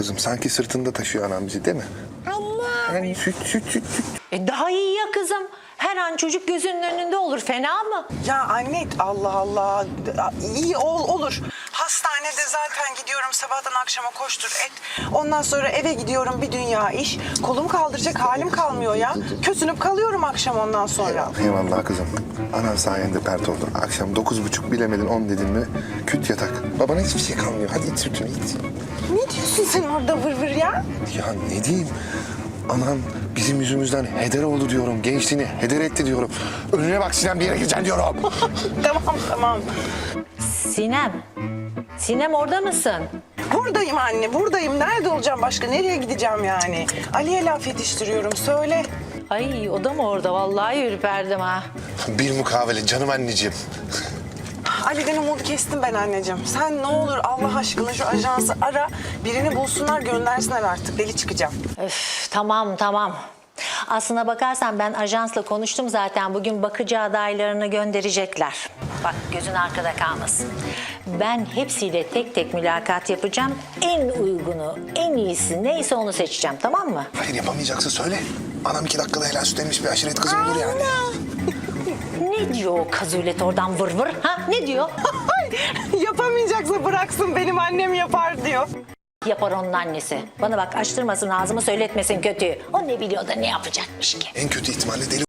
kızım. Sanki sırtında taşıyor anam bizi, değil mi? Yani süt. Daha iyi ya kızım. Her an çocuk gözünün önünde olur. Fena mı? Ya anne Allah Allah. İyi olur. Hastanede zaten gidiyorum sabahtan akşama koştur et. Ondan sonra eve gidiyorum bir dünya iş. Kolum kaldıracak halim kalmıyor ya. Kösünüp kalıyorum akşam ondan sonra. Eyvallah kızım. Anan sayende pert oldu. Akşam 9.30 bilemedin 10 dedin mi küt yatak. Babana hiçbir şey kalmıyor. Hadi iç sütünü iç. Ne diyorsun sen orada vır vır ya? Ya ne diyeyim? Anan bizim yüzümüzden heder oldu diyorum. Gençliğini heder etti diyorum. Önüne bak Sinem, bir yere gideceksin diyorum. Tamam. Sinem orada mısın? Buradayım anne buradayım. Nerede olacağım başka? Nereye gideceğim yani? Ali'ye laf yetiştiriyorum söyle. Ay o da mı orada? Vallahi ürperdim ha. Bir mukavele canım anneciğim. Ali'den umudu kestim ben anneciğim. Sen ne olur Allah aşkına şu ajansı ara. Birini bulsunlar göndersinler artık. Deli çıkacağım. Öf, tamam. Aslına bakarsan ben ajansla konuştum zaten. Bugün bakıcı adaylarını gönderecekler. Bak gözün arkada kalmasın. Ben hepsiyle tek tek mülakat yapacağım. En uygunu, en iyisi neyse onu seçeceğim, tamam mı? Hayır, yapamayacaksa söyle. Anam 2 dakikada helal süt emmiş bir aşiret kızı olur yani. Ne diyor o kazulet oradan vır vır? Ha ne diyor? Yapamayacaksa bıraksın benim annem yapar diyor. Yapar onun annesi. Bana bak açtırmasın ağzımı, söyletmesin kötüyü. O ne biliyor da ne yapacakmış ki? En kötü ihtimalle deli